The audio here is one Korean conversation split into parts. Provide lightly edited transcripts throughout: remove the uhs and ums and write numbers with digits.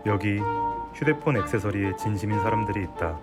여기 휴대폰 액세서리에 진심인 사람들이 있다.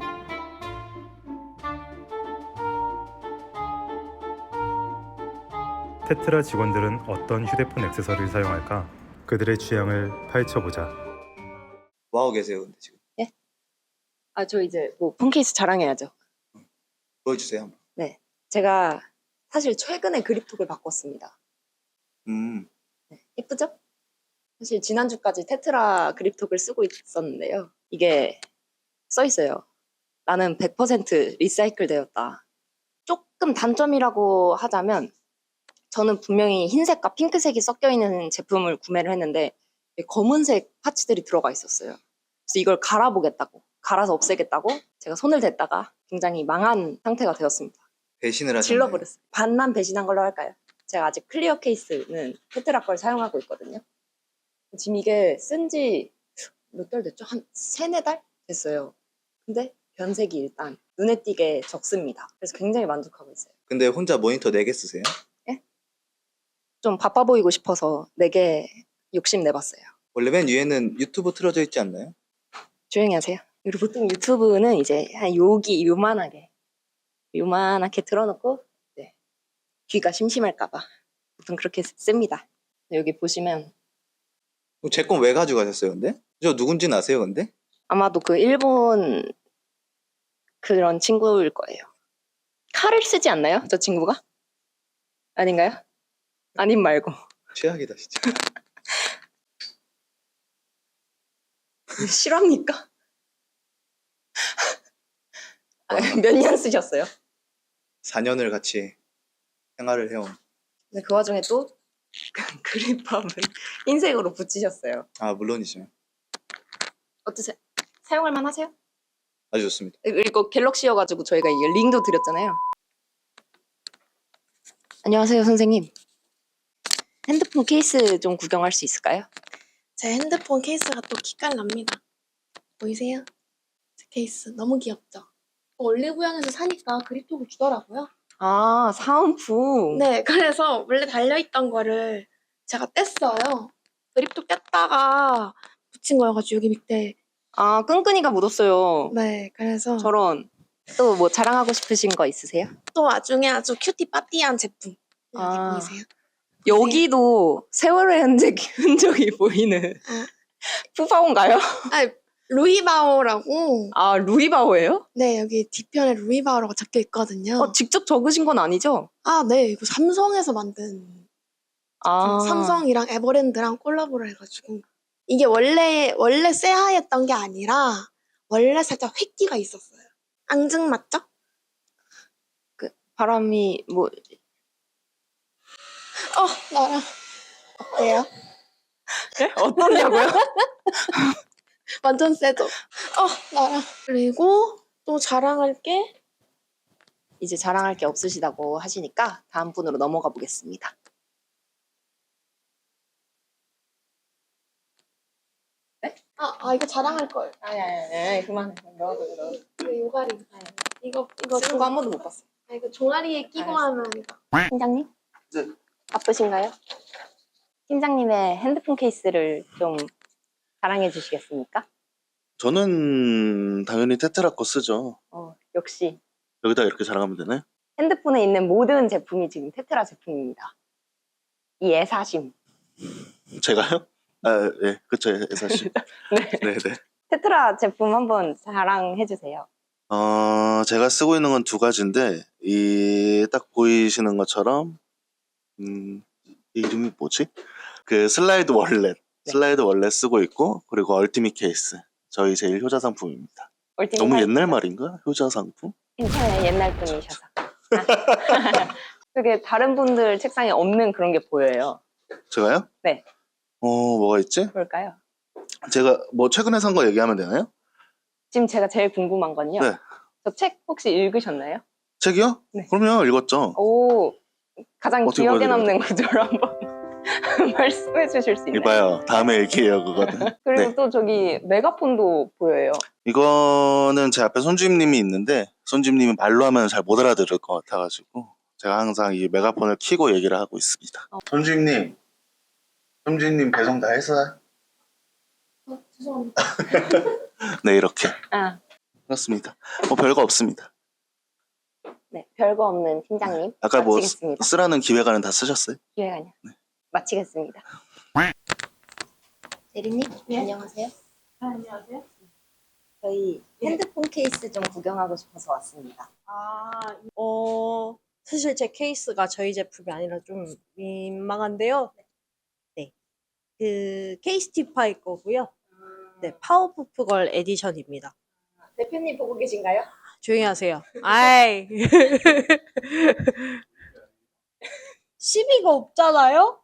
테트라 직원들은 어떤 휴대폰 액세서리를 사용할까? 그들의 취향을 파헤쳐보자. 뭐하고 계세요, 근데 지금? 예? 저 이제 뭐 폰케이스 자랑해야죠. 보여주세요, 한번. 네. 제가 사실 최근에 그립톡을 바꿨습니다. 네. 예쁘죠? 사실 지난주까지 테트라 그립톡을 쓰고 있었는데요. 이게 써 있어요. 나는 100% 리사이클 되었다. 조금 단점이라고 하자면 저는 분명히 흰색과 핑크색이 섞여 있는 제품을 구매를 했는데 검은색 파츠들이 들어가 있었어요. 그래서 이걸 갈아서 없애겠다고 제가 손을 댔다가 굉장히 망한 상태가 되었습니다. 배신을 하셨네요. 질러버렸어요. 반만 배신한 걸로 할까요? 제가 아직 클리어 케이스는 테트라 걸 사용하고 있거든요. 지금 이게 쓴지 몇 달 됐죠? 한 3-4달 됐어요. 근데 변색이 일단 눈에 띄게 적습니다. 그래서 굉장히 만족하고 있어요. 근데 혼자 모니터 4개 쓰세요? 좀 바빠 보이고 싶어서 4개 욕심 내봤어요. 원래 맨 위에는 유튜브 틀어져 있지 않나요? 조용히 하세요. 그리고 보통 유튜브는 이제 한 여기 요만하게 틀어놓고 네. 귀가 심심할까봐 보통 그렇게 씁니다. 여기 보시면 제 건 왜 가져가셨어요, 근데? 저 누군지는 아세요, 근데? 아마도 그 일본 그런 친구일 거예요. 칼을 쓰지 않나요? 저 친구가? 아닌가요? 아님 말고. 최악이다, 진짜. 실화입니까? 몇 년 쓰셨어요? 4년을 같이 생활을 해온. 근데 그 와중에 또 그립밤은 흰색으로 붙이셨어요. 아, 물론이죠. 어떠세요? 사용할 만 하세요? 아주 좋습니다. 그리고 갤럭시여가지고 저희가 이게 링도 드렸잖아요. 안녕하세요, 선생님. 핸드폰 케이스 좀 구경할 수 있을까요? 제 핸드폰 케이스가 또 기깔납니다. 보이세요? 제 케이스 너무 귀엽죠? 올리브영에서 사니까 그립톡을 주더라고요. 아, 사은품. 네, 그래서 원래 달려있던 거를 제가 뗐어요. 그립톡 뗐다가 붙인 거여가지고 여기 밑에. 아, 끈끈이가 묻었어요. 네, 그래서 저런. 또 뭐 자랑하고 싶으신 거 있으세요? 또 나중에 아주 큐티 빠띠한 제품. 여기 아. 보이세요? 여기도 세월의 흔적이 보이는 아. 푸파온가요? 아, 루이바오라고. 아, 루이바오예요? 네, 여기 뒤편에 루이바오라고 적혀 있거든요. 직접 적으신 건 아니죠? 아, 네, 이거 삼성에서 만든 아, 삼성이랑 에버랜드랑 콜라보를 해가지고 이게 원래 쇠하였던 게 아니라 원래 살짝 획기가 있었어요. 앙증맞죠? 바람이 뭐 나랑 어때요? 네? 어떠냐고요? 완전 세죠? 나랑. 그리고 또 자랑할 게 이제 자랑할 게 없으시다고 하시니까 다음 분으로 넘어가 보겠습니다. 이거 자랑할 걸. 아니, 그만해. 넣어도. 이거 요가리. 이거 쓰는 거 한 번도 못 봤어. 이거 종아리에 끼고 알았어. 하면 이거. 팀장님? 네. 바쁘신가요? 팀장님의 핸드폰 케이스를 좀 자랑해 주시겠습니까? 저는 당연히 테트라 거 쓰죠. 역시 여기다 이렇게 자랑하면 되나요? 핸드폰에 있는 모든 제품이 지금 테트라 제품입니다. 이 애사심. 제가요? 아, 예, 그쵸, 애사씨. 네, 네. 테트라 제품 한번 자랑해 주세요. 제가 쓰고 있는 건 2가지인데, 이 딱 보이시는 것처럼, 이 이름이 뭐지? 그 슬라이드 월렛. 네. 슬라이드 월렛 쓰고 있고, 그리고 얼티밋 케이스. 저희 제일 효자 상품입니다. 너무 옛날 말인가? 효자 상품? 괜찮아요. 옛날 분이셔서. 그게 다른 분들 책상에 없는 그런 게 보여요. 제가요? 네. 뭐가 있지? 뭘까요? 제가 뭐 최근에 산 거 얘기하면 되나요? 지금 제가 제일 궁금한 건요. 네. 저 책 혹시 읽으셨나요? 책이요? 네. 그럼요, 읽었죠. 오, 가장 어떻게 기억에 보여드려야 남는 구조를 한번 말씀해 주실 수 있나요? 이봐요. 다음에 얘기해요, 그거는. 그리고 네. 또 저기 메가폰도 보여요. 이거는 제 앞에 손주임님이 있는데, 손주임님이 말로 하면 잘 못 알아들을 것 같아가지고, 제가 항상 이 메가폰을 켜고 얘기를 하고 있습니다. 손주임님 배송 다 했어요? 죄송합니다. 네, 이렇게. 아, 그렇습니다. 뭐 별거 없습니다. 네. 별거 없는 팀장님. 아까 뭐 마치겠습니다. 쓰라는 기획안은 다 쓰셨어요? 기획안이요. 마치겠습니다. 대리님, 안녕하세요. 안녕하세요. 저희 핸드폰 케이스 좀 구경하고 싶어서 왔습니다. 사실 제 케이스가 저희 제품이 아니라 좀 민망한데요. 네. 그 케이스티파이 거고요. 네, 파워푸프걸 에디션입니다. 대표님 보고 계신가요? 조용히 하세요. 아이. 시비가 없잖아요?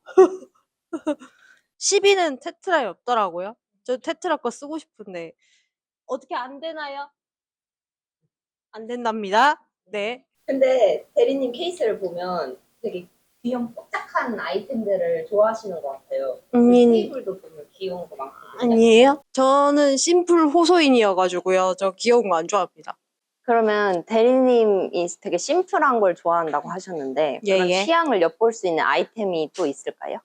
시비는 테트라에 없더라고요. 저 테트라 거 쓰고 싶은데 어떻게 안 되나요? 안 된답니다. 네. 근데 대리님 케이스를 보면 되게 귀여운 뽀짝한 아이템들을 좋아하시는 것 같아요. 테이블도 보면 귀여운 거 많거든요. 아니에요? 저는 심플 호소인이어가지고요. 저 귀여운 거 안 좋아합니다. 그러면 대리님이 되게 심플한 걸 좋아한다고 하셨는데 예, 그런 예. 취향을 엿볼 수 있는 아이템이 또 있을까요?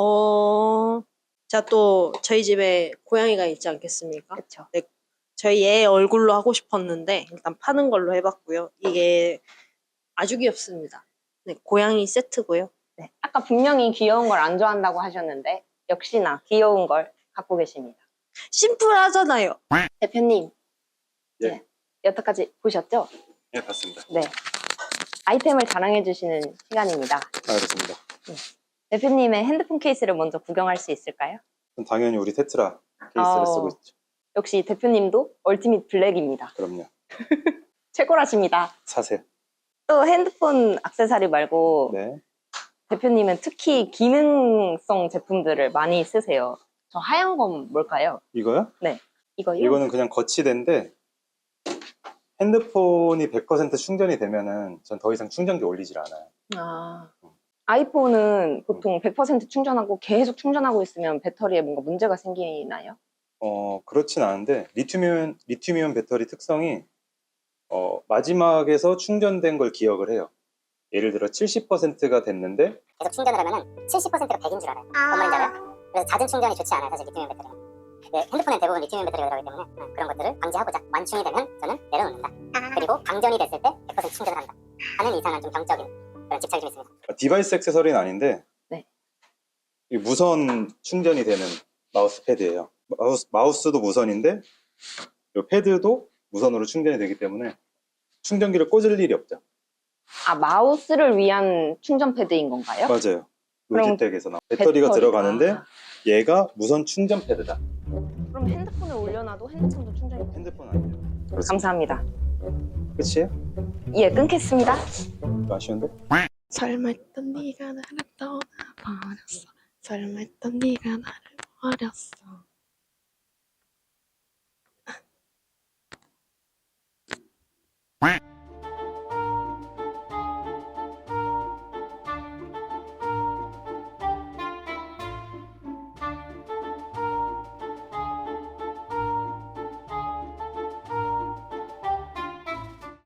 제가 또 저희 집에 고양이가 있지 않겠습니까? 그렇죠. 저희 애 얼굴로 하고 싶었는데 일단 파는 걸로 해봤고요. 이게 아주 귀엽습니다. 네, 고양이 세트고요. 네. 아까 분명히 귀여운 걸 안 좋아한다고 하셨는데 역시나 귀여운 걸 갖고 계십니다. 심플하잖아요. 대표님, 예. 네. 여태까지 보셨죠? 예, 봤습니다. 네. 아이템을 자랑해 주시는 시간입니다. 알겠습니다. 대표님의 핸드폰 케이스를 먼저 구경할 수 있을까요? 그럼 당연히 우리 테트라 케이스를 아우. 쓰고 있죠. 역시 대표님도 얼티밋 블랙입니다. 그럼요. 최고라십니다. 사세요. 또 핸드폰 액세서리 말고 네. 대표님은 특히 기능성 제품들을 많이 쓰세요. 저 하얀 건 뭘까요? 이거요? 이거요? 이거는 그냥 거치대인데 핸드폰이 100% 충전이 되면은 전 더 이상 충전기 올리질 않아요. 아, 아이폰은 보통 100% 충전하고 계속 충전하고 있으면 배터리에 뭔가 문제가 생기나요? 그렇진 않은데 리튬이온 배터리 특성이 마지막에서 충전된 걸 기억을 해요. 예를 들어 70%가 됐는데 계속 충전을 하면은 70%가 100인 줄 알아요. 뭔 말인지 알아요? 그래서 잦은 충전이 좋지 않아요, 사실 리튬이온 배터리는. 네, 핸드폰엔 대부분 리튬이온 배터리가 들어가기 때문에 그런 것들을 방지하고자 완충이 되면 저는 내려놓는다. 그리고 방전이 됐을 때 100% 충전을 한다. 하는 이상한 좀 병적인 그런 집착이 좀 있습니다. 디바이스 액세서리는 아닌데 네. 이 무선 충전이 되는 마우스 패드예요. 마우스도 무선인데 이 패드도 무선으로 충전이 되기 때문에 충전기를 꽂을 일이 없죠. 아, 마우스를 위한 충전 패드인 건가요? 맞아요. 그럼 로지텍에서 나온 배터리가 들어가는데 아, 얘가 무선 충전 패드다. 그럼 핸드폰을 올려놔도 핸드폰도 충전이 돼요? 핸드폰 아니에요. 그렇습니다. 감사합니다. 끝이에요? 예, 끊겠습니다. 아쉬운데? 설마 했던 네가 나를 떠나버렸어. 설마 했던 네가 나를 버렸어.